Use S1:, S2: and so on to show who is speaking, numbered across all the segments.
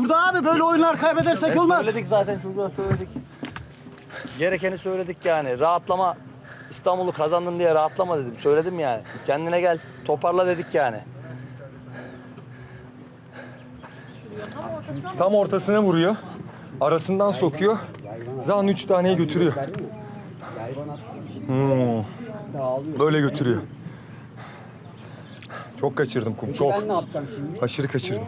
S1: burada abi. Böyle oyunlar kaybedersek olmaz.
S2: Söyledik zaten, çocuğa söyledik. Gerekeni söyledik yani. Rahatlama. İstanbul'u kazandın diye rahatlama dedim. Söyledim yani. Kendine gel, toparla dedik yani.
S3: Tam ortasına vuruyor. Arasından sokuyor. Zan 3 taneyi götürüyor. Böyle götürüyor. Çok kaçırdım kum, çok.
S1: Ben ne yapacağım şimdi?
S3: Aşırı kaçırdım.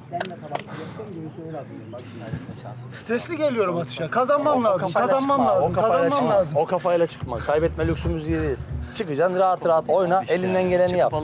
S1: Stresli geliyorum atışa. Kazanmam lazım.
S2: kafayla
S1: Kazanmam
S2: çıkma,
S1: lazım.
S2: o kafayla
S1: Kazanmam
S2: çıkma.
S1: lazım.
S2: O kafayla çıkma. Kaybetme lüksümüz değil. Çıkacaksın, rahat rahat oyna, elinden geleni yap.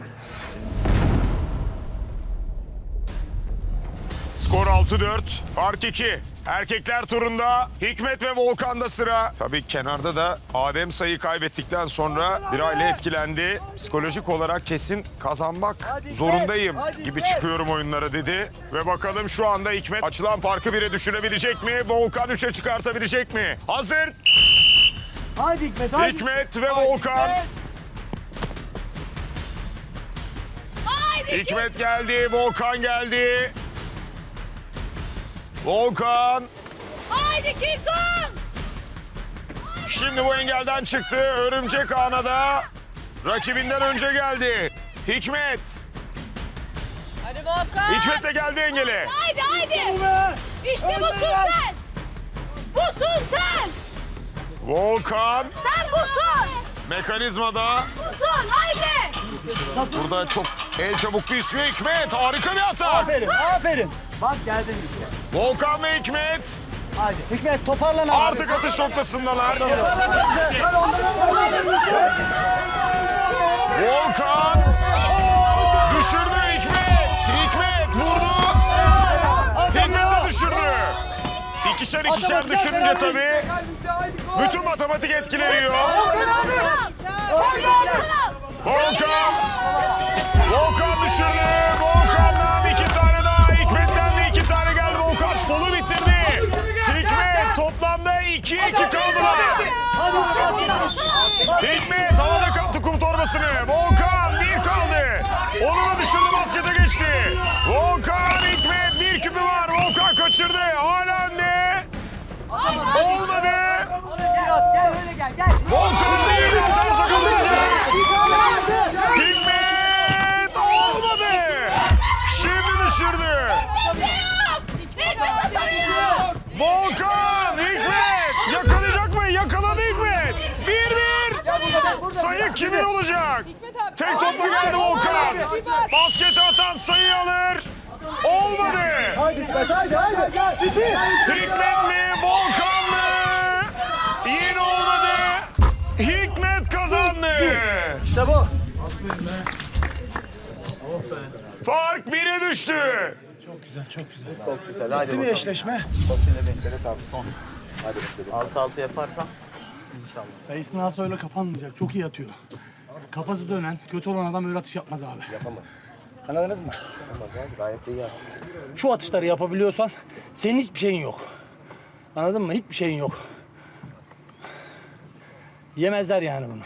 S4: Skor 6-4, fark 2. Erkekler turunda Hikmet ve Volkan'da sıra. Tabii kenarda da Adem sayı kaybettikten sonra bir aile etkilendi. Psikolojik olarak kesin kazanmak zorundayım gibi çıkıyorum oyunlara dedi. Ve bakalım şu anda Hikmet açılan farkı 1'e düşürebilecek mi? Volkan 3'e çıkartabilecek mi? Hazır.
S1: Haydi Hikmet, haydi.
S4: Hikmet ve Volkan. Hikmet geldi, Volkan geldi. Volkan.
S5: Haydi King Kong!
S4: Şimdi bu engelden çıktı. Örümcek ağına da rakibinden önce geldi. Hikmet.
S5: Hadi Volkan!
S4: Hikmet de geldi engele.
S5: Haydi haydi! İşte bu sultan! Bu sultan!
S4: Volkan
S5: Sen busun!
S4: mekanizmada.
S5: Busun haydi!
S4: Burada çok el çabukluğu istiyor Hikmet. Harika bir hata.
S1: Aferin, aferin. Bak geldin işte.
S4: Volkan ve Hikmet
S1: Haydi. Hikmet toparlan abi.
S4: artık atış noktasındalar. Volkan düşürdü Hikmet. Hikmet vurdu. Hikmet de düşürdü. İkişer ikişer düşününce tabii bütün matematik etkileniyor. Volkan. Volkan düşürdü. Volkan'dan 2 tane daha. Hikmet'ten de 2 tane geldi. Volkan solu bitirdi. Hikmet toplamda 2-2 kaldılar. Hikmet havada kaptı kum torbasını. Volkan 1 kaldı. Onu da düşürdü, baskete geçti. Volkan, Hikmet 1 küpü var. Volkan kaçırdı. Hala önde. Olmadı.
S6: Gel öyle gel.
S4: Volkan değil, atarsa kazanacak. Hikmet olmadı. Şimdi düşürdü. Volkan, Hikmet yakalayacak mı? Yakaladı Hikmet. 1-1. Sayı kimin olacak? Tek topla geldi Volkan. Basketi atan sayı alır. Olmadı.
S1: Haydi Hikmet, haydi, haydi. Bitir.
S4: Hikmet mi? Volkan mı? Yine olmadı. Hikmet kazandı.
S1: İşte bu.
S4: Fark 1'e düştü.
S2: Çok güzel, hadi
S1: Değil mi eşleşme?
S2: Şimdi mesele tabii son. Hadi mesele. 6-6 yaparsan inşallah.
S1: Sayısını az öyle kapanmayacak. Çok iyi atıyor. Kafası dönen, kötü olan adam öyle atış yapmaz abi.
S2: Yapamaz.
S1: Anladınız mı?
S2: Yapamaz abi, gayet iyi yaptı.
S1: Şu atışları yapabiliyorsan senin hiçbir şeyin yok. Anladın mı? Hiçbir şeyin yok. Yemezler yani bunu.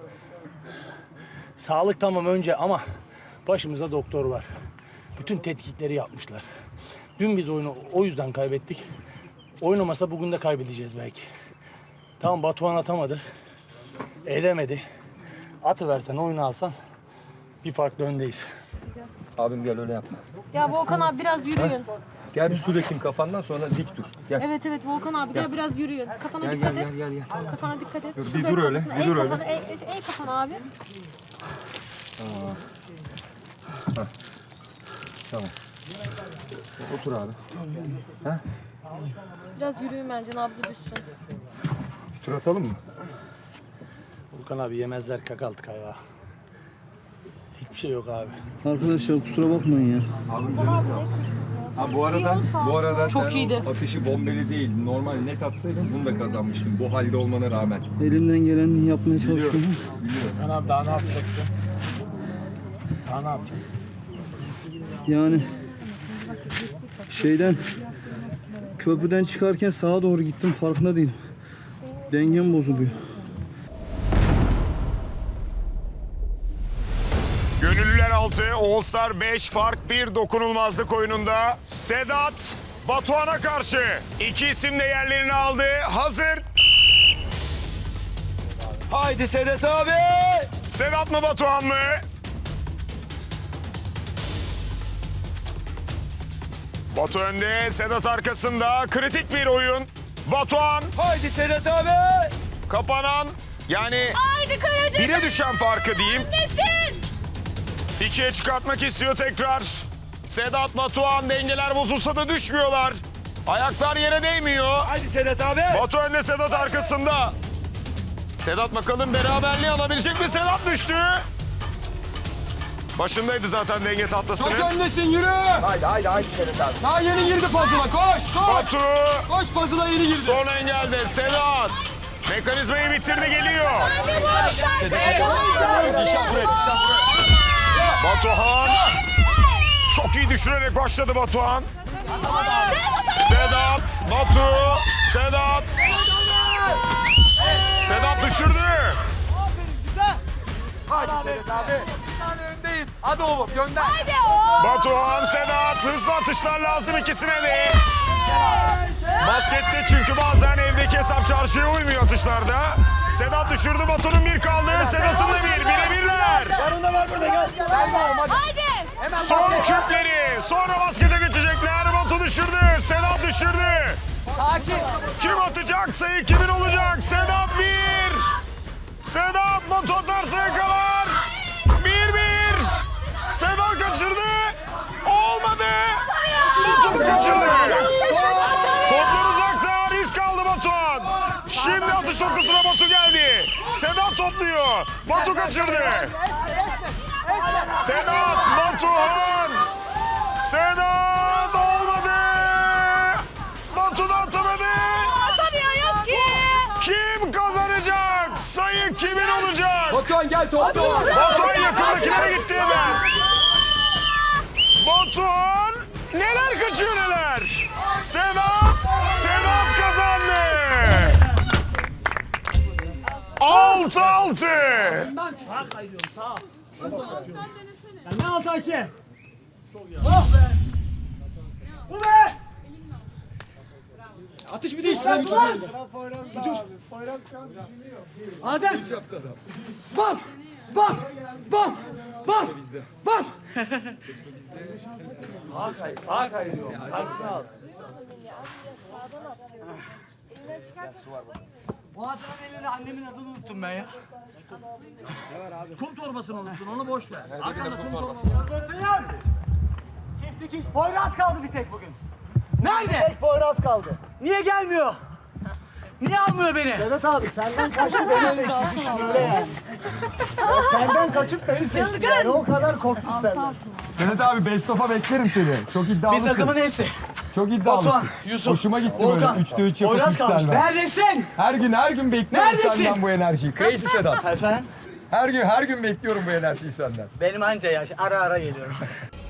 S1: Sağlık tamam önce ama başımızda doktor var. Bütün tetkikleri yapmışlar. Dün biz oyunu o yüzden kaybettik. Oynamasa bugün de kaybedeceğiz belki. Tamam Batuhan atamadı. Edemedi. Atıversen oyunu alsan bir farklı öndeyiz.
S3: Abim gel öyle yapma.
S7: Ya Volkan abi biraz yürüyün.
S3: Gel bir su dökeyim kafandan, sonra dik dur. Gel.
S7: Evet evet Volkan abi gel biraz yürüyün. Kafana
S3: Gel
S7: dikkat
S3: gel
S7: et.
S3: gel gel. gel.
S7: Kafana dikkat et.
S3: Dur,
S7: Su
S3: bir
S7: dök
S3: dur öyle,
S7: kafasına.
S3: bir
S7: Eğ
S3: dur öyle.
S7: kafana, eğ kafana abi.
S3: Tamam. Otur abi.
S7: Biraz yürüyün bence nabzı düşsün.
S3: Tur atalım mı?
S1: Volkan abi yemezler kakaltık ayağa. Hiçbir şey yok abi.
S8: Arkadaşlar kusura bakmayın ya.
S3: Ha bu arada
S7: Çok
S3: sen
S7: iyiydi.
S3: o atışı bombeli değil, normal net atsaydın bunu da kazanmıştın. Bu halde olmana rağmen.
S8: Elimden geleni yapmaya çalışıyorum.
S1: Volkan abi daha ne yapacaksın? Daha ne yapacaksın?
S8: Yani köprüden çıkarken sağa doğru gittim, farkında değilim. Dengem bozuluyor.
S4: Gönüllüler 6, All Star 5, fark 1 dokunulmazlık oyununda. Sedat Batuhan'a karşı. İki isim de yerlerini aldı. Hazır.
S2: Haydi Sedat abi.
S4: Sedat mı Batuhan mı? Batu önde, Sedat arkasında. Kritik bir oyun. Batuhan
S2: Haydi Sedat abi.
S4: kapanan, yani
S5: Haydi Karaca.
S4: bire düşen farkı diyeyim.
S5: Nesin?
S4: 2'ye çıkartmak istiyor tekrar. Sedat, Batuhan dengeler bozulsa da düşmüyorlar. Ayaklar yere değmiyor.
S2: Haydi Sedat abi.
S4: Batu önde, Sedat arkasında. Sedat bakalım beraberliği alabilecek mi? Sedat düştü. Başındaydı zaten denge tahtasının.
S3: Çok öndesin, yürü.
S2: Haydi Sedat abi.
S3: Daha yeni girdi puzzle'a, koş.
S4: Batu
S3: Koş, puzzle'a yeni girdi.
S4: son engelde. Sedat mekanizmayı bitirdi, geliyor.
S5: Hadi boş ver.
S4: Batuhan çok iyi düşürerek başladı Batuhan. Sedat, Batu, Sedat. Sedat düşürdü.
S2: Haydi Sedat abi.
S3: Hadi oğlum, gönder.
S5: Hadi o.
S4: Batuhan, Sedat hızlı atışlar lazım ikisine de. Baskette çünkü bazen evdeki hesap çarşıya uymuyor atışlarda. Sedat düşürdü, Batu'nun bir kaldı. Sedat'ın da bir, birebirler.
S2: Yanında var burada gel.
S5: Hadi.
S4: Son küpleri, sonra baskete geçecekler. Batu düşürdü, Sedat düşürdü. Kim atacak, sayı kimin olacak? Sedat bir. Sedat, Batu atarsa yakalar. 1-1. Sedat kaçırdı. Olmadı. Batu da kaçırdı. Toplar uzakta, risk aldı Batuhan. Şimdi atış noktasına Batu geldi. Sedat topluyor. Batu kaçırdı. Sedat, Batuhan. Sedat olmadı. Batu da atamadı.
S5: Atamıyor ki.
S4: Kim kazanacak? Sayı kimin olacak?
S3: Batuhan gel, topla.
S4: Batuhan yakındakilere gitti hemen. Batuhan neler kaçıyor neler. Sedat kazandı. 6-6.
S6: Ne altı Ayşe? Bu be! Atış bir de İslam. Adem. Bam! Bam! Bam! Bam! Bam! Bu adamın elini annemin adını unuttum ben ya. Kum torbasını unuttun, onu boş ver. Arkanda kum torbası. Çift dikiş. Poyraz kaldı bir tek bugün. Nerede? Tek Poyraz kaldı. Niye gelmiyor? Niye almıyor beni? Sedat abi senden kaçıp beni seçti. Yani. Senden kaçıp beni seçti. Yani o kadar korktu senden.
S3: Sedat abi, best of'a beklerim seni. Çok
S6: Bir
S3: iddialısın.
S6: takımın hepsi.
S3: Çok iddialısın.
S6: Batuhan, Yusuf,
S3: Hoşuma gitti
S6: Volkan,
S3: böyle 3'te 3 yapıp
S6: Poyraz kalmış.
S3: yükselmen.
S6: Neredesin?
S3: Her gün bekliyorum
S6: Neredesin?
S3: senden bu enerjiyi. Crazy Sedat.
S6: Efendim?
S3: Her gün bekliyorum bu enerjiyi senden.
S6: Benim anca yaş. Ara ara geliyorum.